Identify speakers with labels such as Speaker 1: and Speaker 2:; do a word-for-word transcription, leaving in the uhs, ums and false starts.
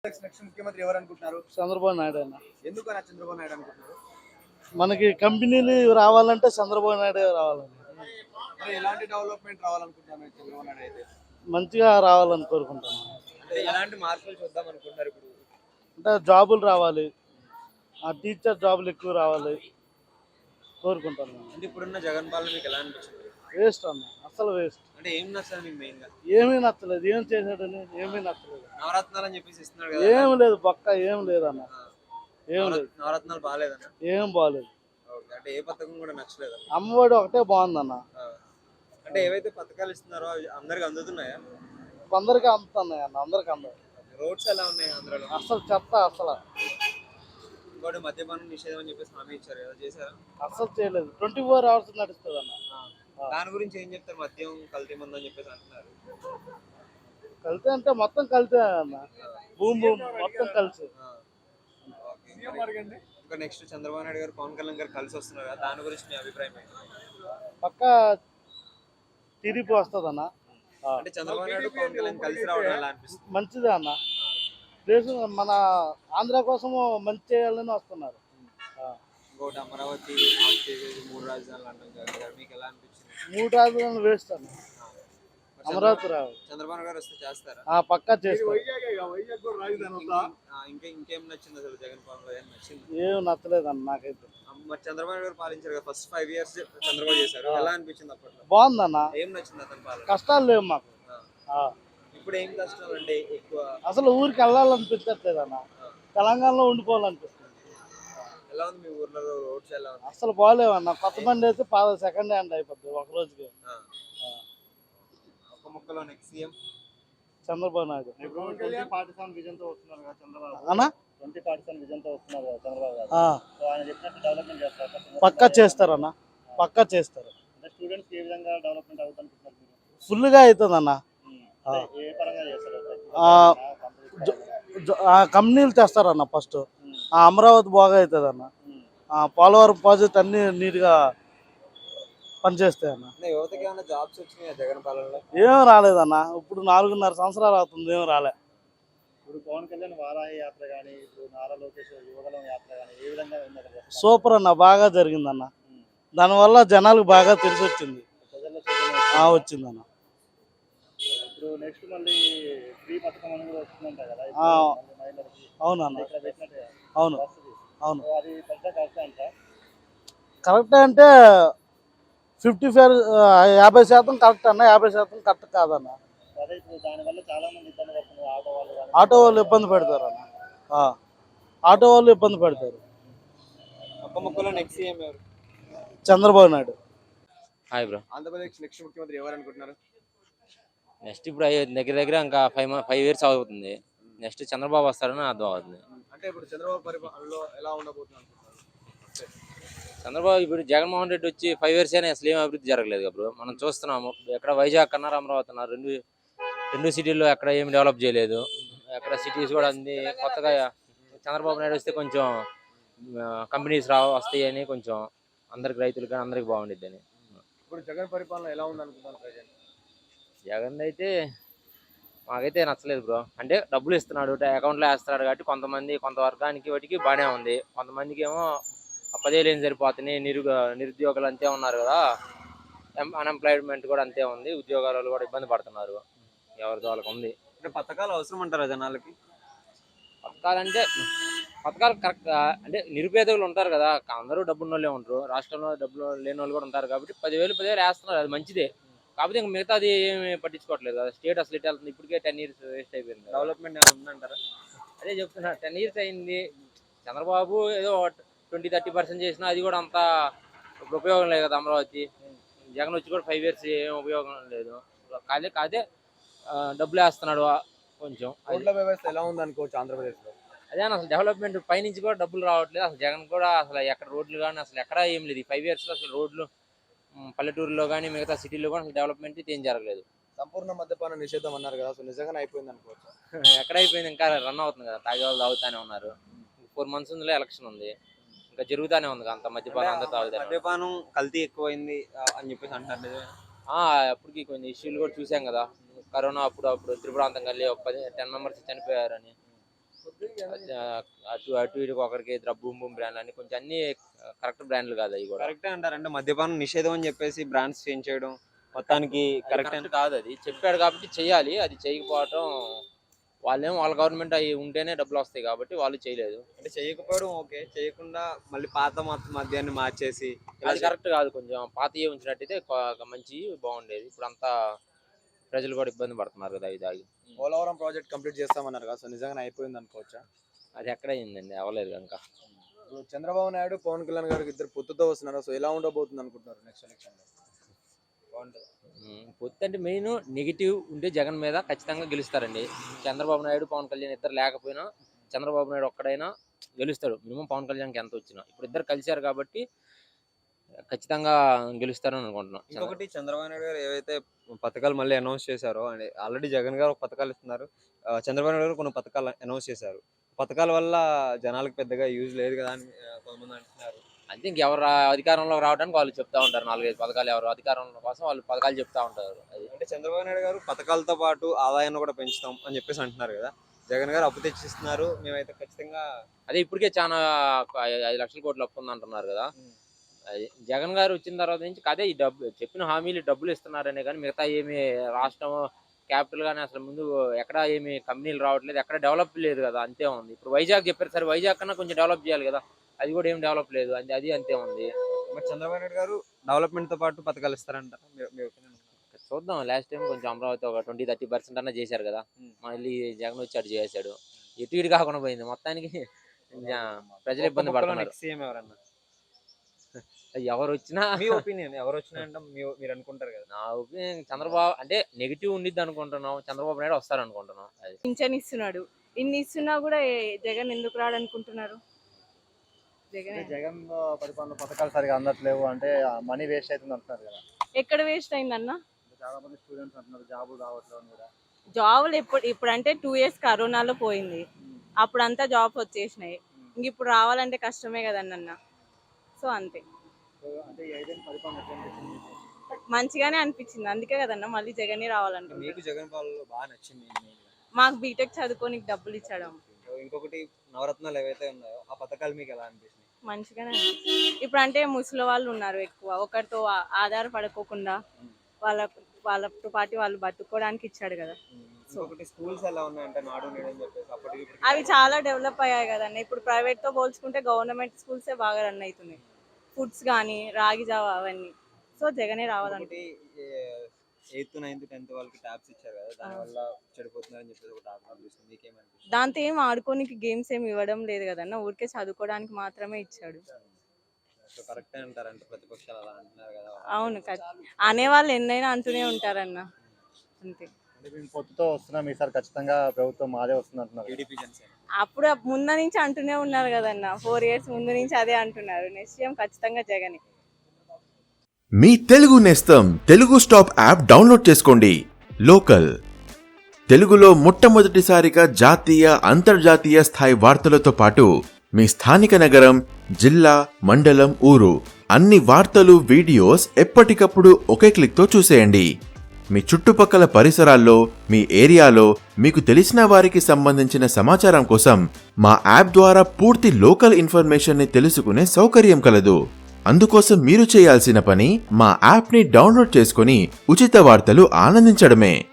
Speaker 1: Next ముఖ్యమంత్రి ఎవరు అనుకుంటున్నారు?
Speaker 2: చంద్రబాబు నాయుడు అన్న.
Speaker 1: ఎందుకన్నా చంద్రబాబు నాయుడు అనుకుంటున్నారు?
Speaker 2: మనకి కంపెనీలు రావాలంటే చంద్రబాబు నాయుడు రావాలని,
Speaker 1: మరి ఎలాంటి డెవలప్మెంట్ రావాలనుకుంటున్నారు చంద్రబాబు నాయుడు అయితే?
Speaker 2: మంచిగా రావాలని కోరుకుంటున్నాను.
Speaker 1: అంటే ఎలాంటి మార్పులు చూద్దాం అనుకుంటున్నారు ఇప్పుడు?
Speaker 2: అంటే జాబులు రావాలి, ఆ టీచర్ జాబులు ఎక్కువ రావాలి కోరుకుంటున్నాను.
Speaker 1: అంటే ఇప్పుడున్న జగన్ పాలన మీకు ఎలా అనిపించింది?
Speaker 2: వేస్ట్ అన్న, అసలు వేస్ట్.
Speaker 1: అంటే ఏం నచ్చదు మీకు మెయిన్ గా?
Speaker 2: ఏమీ నచ్చలేదు, ఏం చేశాడని ఏమీ నచ్చలేదు.
Speaker 1: నవరత్నాలు అని చెప్పేసి ఇస్తున్నాడు కదా,
Speaker 2: ఏం లేదు, పక్క ఏం లేదన్న, ఏం లేదు.
Speaker 1: నవరత్నాలు బాగాలేదన్న?
Speaker 2: ఏం బాగాలేదు.
Speaker 1: అంటే ఏ పథకం కూడా నచ్చలేదు?
Speaker 2: అమ్మఒడి ఒకటే బాగుందన్న.
Speaker 1: అంటే ఏవైతే పథకాలు ఇస్తున్నారో అవి అందరికి అందుతున్నాయా?
Speaker 2: అందరికీ అందుతున్నాయి అన్న, అందరికి అందరు.
Speaker 1: రోడ్స్ ఎలా ఉన్నాయి ఆంధ్రాలో?
Speaker 2: అసలు చెత్త, అసలు
Speaker 1: ఇంకోటి మద్యపానం నిషేధం అని చెప్పేసి హామీ ఇచ్చారు కదా, చేశారా?
Speaker 2: అసలు చేయలేదు. ట్వంటీ ఫోర్ అవర్స్ నడుస్తుంది అన్న.
Speaker 1: దాని గురించి ఏం చెప్తారు? మద్యం కల్తీ మందు అని చెప్పేసి అంటున్నారు.
Speaker 2: కలితే అంటే మొత్తం కలితే అన్న, భూమి భూమి మొత్తం కలిసి.
Speaker 1: ఇంకా నెక్స్ట్ చంద్రబాబు నాయుడు గారు పవన్ కళ్యాణ్ గారు కలిసి వస్తున్నారు కదా, దాని గురించి మీ అభిప్రాయం ఏంటి?
Speaker 2: పక్క టీడీపీ వస్తుంది అన్న.
Speaker 1: అంటే చంద్రబాబు నాయుడు పవన్ కళ్యాణ్ కలిసి రావడం ఎలా అనిపిస్తుంది?
Speaker 2: మంచిదే అన్న, దేశం మన ఆంధ్ర కోసము మంచి చేయాలని వస్తున్నారు.
Speaker 1: ఇంకోటి అమరావతి మూడు రాజధానులు అంటాం కదా, మీకు ఎలా అనిపించింది?
Speaker 2: మూడు రాజధానులు వేస్ట్ అన్న, అమరావతి రావు.
Speaker 1: చంద్రబాబు గారు వస్తే చేస్తారా?
Speaker 2: ఆ పక్కా చేస్తారు.
Speaker 1: ఇంకా ఇంకేం నచ్చింది అసలు జగన్ పాలన? ఏం నచ్చింది?
Speaker 2: ఏం నచ్చలేదు అన్న నాకైతే.
Speaker 1: మరి చంద్రబాబు గారు పాలించారు కదా, ఫస్ట్ ఫైవ్ ఇయర్స్ చంద్రబాబు చేశారు, ఎలా అనిపించింది అప్పట్లో?
Speaker 2: బాగుందన్న,
Speaker 1: ఏం నచ్చింది అతని పాలన?
Speaker 2: కష్టాలు లేవు మాకు.
Speaker 1: ఇప్పుడు ఏం కష్టాలు అంటే ఎక్కువ?
Speaker 2: అసలు ఊరికి వెళ్ళాలనిపించట్లేదు అన్న, తెలంగాణలో ఉండిపోవాలనిపిస్తుంది.
Speaker 1: ఎలా ఉంది మీ ఊర్లో రోడ్స్? ఎలా ఉంది?
Speaker 2: అసలు బాగాలేవన్న, కొత్త బండి అయితే పాద సెకండ్ హ్యాండ్ అయిపోద్ది ఒక రోజుకి.
Speaker 1: ఒక ముక్కలో నెక్స్ట్ సీఎం
Speaker 2: చంద్రబాబు నాయుడు అన్న, పక్కా చేస్తారన్న, పక్కా చేస్తారు. ఫుల్గా అవుతుంది అన్న. కంపెనీలు తెస్తారన్న ఫస్ట్, అమరావతి బాగా అవుతుంది అన్న, పోలవరం ప్రాజెక్ట్ అన్ని నీట్గా పనిచేస్తాయి అన్న.
Speaker 1: యువతకి ఏమైనా జాబ్స్ వచ్చినాయా జగన్ పాలనలో?
Speaker 2: ఏం రాలేదన్న, ఇప్పుడు నాలుగున్నర సంవత్సరాలు అవుతుంది, ఏం రాలే.
Speaker 3: ఇప్పుడు పవన్ కళ్యాణ్ వారాహి యాత్ర కానీ, ఇప్పుడు నారా లోకేష్ యువగలం యాత్ర కానీ ఏ విధంగా
Speaker 2: సూపర్ అన్న, బాగా జరిగిందన్న. దానివల్ల జనాలకు బాగా తెలిసి వచ్చింది, వచ్చిందన్న.
Speaker 3: ఇప్పుడు నెక్స్ట్ మళ్ళీ ఫ్రీ పథకం అని కూడా వస్తుందంట కదా,
Speaker 2: అవునన్న, అవును అవును.
Speaker 3: అది పెద్ద కరెక్ట్ అంట?
Speaker 2: కరెక్ట్ అంటే ఫిఫ్టీ ఫైవ్ యాభై శాతం కరెక్ట్ అన్న, యాభై శాతం కరెక్ట్ కాదన్న.
Speaker 3: అదే ఇప్పుడు దానివల్ల చాలా మంది ఇబ్బంది పడుతున్నారు, ఆటో వాళ్ళు.
Speaker 2: ఆటో వాళ్ళు ఇబ్బంది పెడతారు అన్న, ఆటో వాళ్ళు ఇబ్బంది పెడతారు.
Speaker 1: ఒక్క ముక్కలో నెక్స్ట్ సీఎం ఎవరు?
Speaker 2: Chandrababu Naidu.
Speaker 4: Hi bro.
Speaker 1: Andhra Pradesh next ముఖ్యమంత్రి ఎవరు అనుకుంటున్నారు?
Speaker 4: నెక్స్ట్ ఇప్పుడు దగ్గర దగ్గర ఇంకా ఫైవ్ ఫైవ్ ఇయర్స్ అవుతుంది, నెక్స్ట్ చంద్రబాబు వస్తారని అర్థం అవుతుంది.
Speaker 1: అంటే ఇప్పుడు చంద్రబాబు పరిపాలనలో ఎలా ఉండబోతున్నారు?
Speaker 4: చంద్రబాబు ఇప్పుడు జగన్మోహన్ రెడ్డి వచ్చి ఫైవ్ ఇయర్స్ అయినా అసలు ఏం అభివృద్ధి జరగలేదు బ్రో. మనం చూస్తున్నాము, ఎక్కడ వైజాగ్ అన్నారు, అమరావతి అన్నారు, రెండు రెండు సిటీల్లో ఎక్కడ ఏమి డెవలప్ చేయలేదు. ఎక్కడ సిటీస్ కూడా అన్ని కొత్తగా చంద్రబాబు నాయుడు వస్తే కొంచెం కంపెనీస్ రా వస్తాయని, కొంచెం అందరికి రైతులకు కానీ అందరికి బాగుండిద్ది అని.
Speaker 1: ఇప్పుడు జగన్ పరిపాలన ఎలా ఉంది అనుకుంటున్నారు ప్రజెంట్?
Speaker 4: జగన్ అయితే మాకైతే నచ్చలేదు బ్రో. అంటే డబ్బులు ఇస్తున్నాడు, అకౌంట్లో వేస్తున్నాడు కాబట్టి కొంతమంది కొంత వర్గానికి వాటికి బాగానే ఉంది, కొంతమందికి ఏమో పదేళ్ళు ఏం సరిపోతున్నాయి. నిరుగ నిరుద్యోగులు అంతే ఉన్నారు కదా, అన్ఎంప్లాయ్మెంట్ కూడా అంతే ఉంది, ఉద్యోగాలు కూడా ఇబ్బంది పడుతున్నారు, ఎవరితో వాళ్ళకి ఉంది.
Speaker 1: అంటే పథకాలు అవసరం అంటారా జనాలకి?
Speaker 4: పథకాలంటే పథకాలు కరెక్ట్ అంటే నిరుపేదలు ఉంటారు కదా, అందరూ డబ్బున్న వాళ్ళే ఉంటారు, రాష్ట్రంలో డబ్బులు లేని వాళ్ళు కూడా ఉంటారు కాబట్టి పదివేలు పదివేలు వేస్తున్నారు, అది మంచిదే. కాకపోతే ఇంకా మిగతాది ఏమి పట్టించుకోవట్లేదు కదా. స్టేట్ అసలు ఇటు వెళ్తుంది, ఇప్పటికే టెన్ ఇయర్స్ వేస్ట్ అయిపోయింది.
Speaker 1: డెవలప్మెంట్ ఏమైనా ఉందంటారా?
Speaker 4: అదే చెప్తున్నా, టెన్ ఇయర్స్ అయింది. చంద్రబాబు ఏదో ట్వంటీ థర్టీ పర్సెంట్ చేసినా అది కూడా అంత ఉపయోగం లేదు కదా అమరావతి. జగన్ వచ్చి కూడా ఫైవ్ ఇయర్స్ ఏం ఉపయోగం లేదు. కాదే కాదే డబ్బులు వేస్తున్నాడు కొంచెం.
Speaker 1: రోడ్ల వ్యవస్థ ఎలా ఉంది అనుకోవచ్చు ఆంధ్రప్రదేశ్లో?
Speaker 4: అదే అసలు డెవలప్మెంట్ పైనుంచి కూడా డబ్బులు రావట్లేదు. అసలు జగన్ కూడా అసలు ఎక్కడ రోడ్లు కానీ అసలు ఎక్కడ ఏం లేదు. ఈ ఫైవ్ ఇయర్స్లో అసలు రోడ్లు పల్లెటూరులో కానీ మిగతా సిటీలో కూడా అసలు డెవలప్మెంట్ ఏం జరగలేదు.
Speaker 1: సంపూర్ణ మద్యపాన నిషేధం అన్నారు కదా, అసలు నిజంగానే అయిపోయింది అనుకోవచ్చు?
Speaker 4: ఎక్కడ అయిపోయింది, ఇంకా రన్ అవుతుంది కదా, తాగే వాళ్ళు తాగుతానే ఉన్నారు. ఫోర్ మంత్స్ ఉందిలే, ఎలక్షన్ ఉంది, ఇంకా జరుగుతానే ఉంది అంత మద్యపానం అందరూ తాగుతారు.
Speaker 1: మద్యపానం కల్తీ ఎక్కువైంది అని చెప్పేసి అంటారు.
Speaker 4: అప్పటికి కొన్ని ఇష్యూలు కూడా చూసాం కదా, కరోనా అప్పుడు అప్పుడు త్రిపురాంతం కలిసి ఒక పది టెన్ మెంబర్స్ చనిపోయారని. అటు అటు ఇటు ఒకరికి బూమ్ బూమ్ బ్రాండ్ అని కొంచెం అన్ని కరెక్ట్ బ్రాండ్లు కాదు అవి కూడా.
Speaker 1: కరెక్టే అంటారంటే మద్యపానం నిషేధం అని చెప్పేసి బ్రాండ్స్ చేంజ్ చేయడం మొత్తానికి కరెక్ట్
Speaker 4: కరెక్ట్ కాదు. అది చెప్పాడు కాబట్టి చెయ్యాలి, అది చేయకపోవటం వాళ్ళేమో వాళ్ళ గవర్నమెంట్ అవి ఉంటేనే డబ్బులు వస్తాయి కాబట్టి వాళ్ళు చేయలేదు.
Speaker 1: అంటే చేయకపోవడం ఓకే, చేయకుండా మళ్ళీ పాత మత్తు మద్యాన్ని మార్చేసి
Speaker 4: అది కరెక్ట్ కాదు. కొంచెం పాతయే ఉంచినట్టయితే కొ- మంచి బాగుండేది. ఇప్పుడు అంతా ప్రజలు కూడా ఇబ్బంది పడుతున్నారు కదా ఇది తాగి.
Speaker 3: పోలవరం ప్రాజెక్ట్ కంప్లీట్ చేస్తామన్నారు కదా, సో నిజంగా అయిపోయింది అనుకోవచ్చా?
Speaker 4: అది ఎక్కడ అయిందండి, అవ్వలేదు ఇంకా.
Speaker 3: ఇప్పుడు చంద్రబాబు నాయుడు పవన్ కళ్యాణ్ గారికి ఇద్దరు పొత్తుతో వస్తున్నారు, సో ఎలా ఉండబోతుంది అనుకుంటున్నారు నెక్స్ట్ ఎలక్షన్ లో?
Speaker 4: ఉమ్, పొత్తు అంటే మెయిన్ నెగిటివ్ ఉంటే జగన్ మీద ఖచ్చితంగా గెలుస్తారండి. చంద్రబాబు నాయుడు పవన్ కళ్యాణ్ ఇద్దరు లేకపోయినా చంద్రబాబు నాయుడు ఒక్కడైనా గెలుస్తాడు, మినిమం పవన్ కళ్యాణ్కి ఎంత వచ్చినా. ఇప్పుడు ఇద్దరు కలిశారు కాబట్టి ఖచ్చితంగా గెలుస్తారని అనుకుంటున్నాం.
Speaker 1: ఇంకొకటి చంద్రబాబు నాయుడు గారు ఏవైతే పథకాలు మళ్ళీ అనౌన్స్ చేశారో అంటే ఆల్రెడీ జగన్ గారు ఒక పథకాలు ఇస్తున్నారు, ఆ, చంద్రబాబు నాయుడు గారు కొన్ని పథకాలు అనౌన్స్ చేశారు. పథకాల వల్ల జనాలకు పెద్దగా యూజ్ లేదు కదా అని ఆ, కొంతమంది అంటున్నారు.
Speaker 4: అంతే, ఇంకెవరు అధికారంలో రావడానికి వాళ్ళు చెప్తా ఉంటారు. నాలుగైదు పథకాలు ఎవరు అధికారంలో కోసం వాళ్ళు పథకాలు చెప్తా ఉంటారు. అది
Speaker 1: అంటే చంద్రబాబు నాయుడు గారు పథకాలతో పాటు ఆదాయాన్ని కూడా పెంచుతాం అని చెప్పేసి అంటున్నారు కదా. జగన్ గారు అప్పు తెచ్చిస్తున్నారు, మేమైతే ఖచ్చితంగా
Speaker 4: అదే ఇప్పటికే చాలా ఐ- ఐదు లక్షల కోట్లు అప్పు ఉంది అంటున్నారు కదా. అది జగన్ గారు వచ్చిన తర్వాత నుంచి అదే ఈ డబ్బు చెప్పిన హామీలు డబ్బులు ఇస్తున్నారనే కానీ మిగతా ఏమి రాష్ట్రం క్యాపిటల్ కానీ అసలు ముందు ఎక్కడ ఏమి కంపెనీలు రావట్లేదు, ఎక్కడ డెవలప్ లేదు కదా, అంతే ఉంది. ఇప్పుడు వైజాగ్ చెప్పారు సరే, వైజాగ్ కన్నా కొంచెం డెవలప్ చేయాలి కదా, అది కూడా ఏం డెవలప్ లేదు, అది అది అంతే ఉంది.
Speaker 1: మరి చంద్రబాబు నాయుడు గారు డెవలప్మెంట్ తో పాటు పథకాలు ఇస్తారంట, మీ- మీ opinion ఏంటి?
Speaker 4: చూద్దాం, లాస్ట్ టైం కొంచెం అమరావతి ఒక ట్వంటీ థర్టీ పర్సెంట్ అన్నా చేశారు కదా, మళ్ళీ జగన్ వచ్చి అటు చేశాడు, ఇటు ఇటు కాకుండా పోయింది మొత్తానికి. జా- ప్రజలు ఇబ్బంది
Speaker 1: ఒక్క ముక్కలో
Speaker 4: పడుతున్నారు.
Speaker 1: next సీఎం ఎవరన్నా?
Speaker 4: ఎవరు వచ్చినా
Speaker 1: మీ ఒపీనియన్ ఎవరు వచ్చినా అంటే మీ- మీరు అనుకుంటారు కదా.
Speaker 4: నా ఒపీనియన్ చంద్రబాబు అంటే నెగిటివ్ ఉండిద్ది అనుకుంటున్నాం, చంద్రబాబు నాయుడు వస్తారు అనుకుంటున్నాం. అది
Speaker 5: పింఛన్ ఇస్తున్నాడు, ఇన్ని ఇస్తున్నా కూడా ఏ- జగన్ ఎందుకు రాడనుకుంటున్నారు? జగన్
Speaker 3: జగన్ పరిపాలన పథకాలు సరిగా అందట్లేవు అంటే మనీ వేస్ట్ అవుతుంది అంటున్నారు కదా.
Speaker 5: ఎక్కడ వేస్ట్ అయిందన్న?
Speaker 3: చాలా మంది స్టూడెంట్స్ అంటున్నారు జాబులు రావట్లేదు అని కూడా.
Speaker 5: జాబులు ఎప్పుడు ఇప్పుడు అంటే టూ ఇయర్స్ కరోనాలో పోయింది, అప్పుడు అంతా జాబ్ వచ్చేసినాయి, ఇంక ఇప్పుడు రావాలంటే కష్టమే కదన్న. సో అంతే,
Speaker 3: సో అంటే ఈ ఐదేళ్ళ పరిపాలన ఎట్లా అనిపించింది మీకు?
Speaker 5: మంచిగానే అనిపించింది, అందుకే కదన్న మళ్ళీ జగనే రావాలనుకుంటున్నాను.
Speaker 1: మీకు జగన్ పాలనలో బాగా నచ్చింది main గా.
Speaker 5: మాకు బీటెక్ చదువుకోనికి డబ్బులు ఇచ్చడం
Speaker 1: సో ఇంకొకటి నవరత్నాలు ఏవైతే ఉన్నాయో ఆ పథకాలు మీకు ఎలా అనిపిస్తుంది?
Speaker 5: మంచిగానే అనిపించింది. ఇప్పుడు అంటే ముసలి వాళ్ళు ఉన్నారు ఎక్కువ, ఒకరితో ఆ- ఆధారపడుకోకుండా వాళ్ళ వాళ్ళతో పాటు వాళ్ళు బతుకోవడానికి ఇచ్చాడు కదా.
Speaker 1: ఇంకొకటి స్కూల్స్ ఎలా ఉన్నాయంటే నాడు నేడు అని చెప్పేసి అప్పటికి ఇప్పటికి
Speaker 5: అవి చాలా డెవలప్ అయ్యాయి కదన్న. ఇప్పుడు ప్రైవేట్ తో పోల్చుకుంటే గవర్నమెంట్ స్కూల్సే బాగా రన్ అవుతున్నాయి, ఫుడ్స్ కానీ రాగి జావా అవన్నీ. సో జగనే రావాలంటే
Speaker 1: ఇంకొకటి ఎయిత్ నైన్త్ టెన్త్ వాళ్ళకి ట్యాబ్స్ ఇచ్చారు కదా, దానివల్ల చెడిపోతున్నారని చెప్పేసి ఒక టాక్ అనిపిస్తుంది, మీకేమనిపిస్తుంది?
Speaker 5: దాంతో ఏం ఆడుకోనికి గేమ్స్ ఏమి ఇవ్వడం లేదు కదన్న, ఊరికే చదువుకోవడానికి మాత్రమే ఇచ్చాడు.
Speaker 1: సో కరెక్టే అంటారంటే ప్రతిపక్షాలు అలా అంటున్నారు కదా.
Speaker 5: అవును, అనేవాళ్ళు ఎన్నైనా అంటూనే ఉంటారన్న, అంతే.
Speaker 3: అంటే మేము పొత్తుతో వస్తున్నాం ఈసారి ఖచ్చితంగా ప్రభుత్వం మాదే వస్తుంది అంటున్నారు.
Speaker 1: టీడీపీ జనసేన
Speaker 5: అప్పుడు ముందు నుంచి అంటూనే ఉన్నారు కదన్న, ఫోర్ ఇయర్స్ ముందు నుంచి అదే అంటున్నారు. నెక్స్ట్ ఏం ఖచ్చితంగా జగనే.
Speaker 6: మీ తెలుగు నేస్తం తెలుగు స్టాప్ యాప్ డౌన్లోడ్ చేసుకోండి. లోకల్ తెలుగులో మొట్టమొదటిసారిగా జాతీయ అంతర్జాతీయ స్థాయి వార్తలతో పాటు మీ స్థానిక నగరం, జిల్లా, మండలం, ఊరు అన్ని వార్తలు, వీడియోస్ ఎప్పటికప్పుడు ఒకే క్లిక్తో చూసేయండి. మీ చుట్టుపక్కల పరిసరాల్లో, మీ ఏరియాలో మీకు తెలిసిన వారికి సంబంధించిన సమాచారం కోసం మా యాప్ ద్వారా పూర్తి లోకల్ ఇన్ఫర్మేషన్ ని తెలుసుకునే సౌకర్యం కలదు. అందుకోసం మీరు చేయాల్సిన పని మా యాప్ని డౌన్లోడ్ చేసుకుని ఉచిత వార్తలు ఆనందించడమే.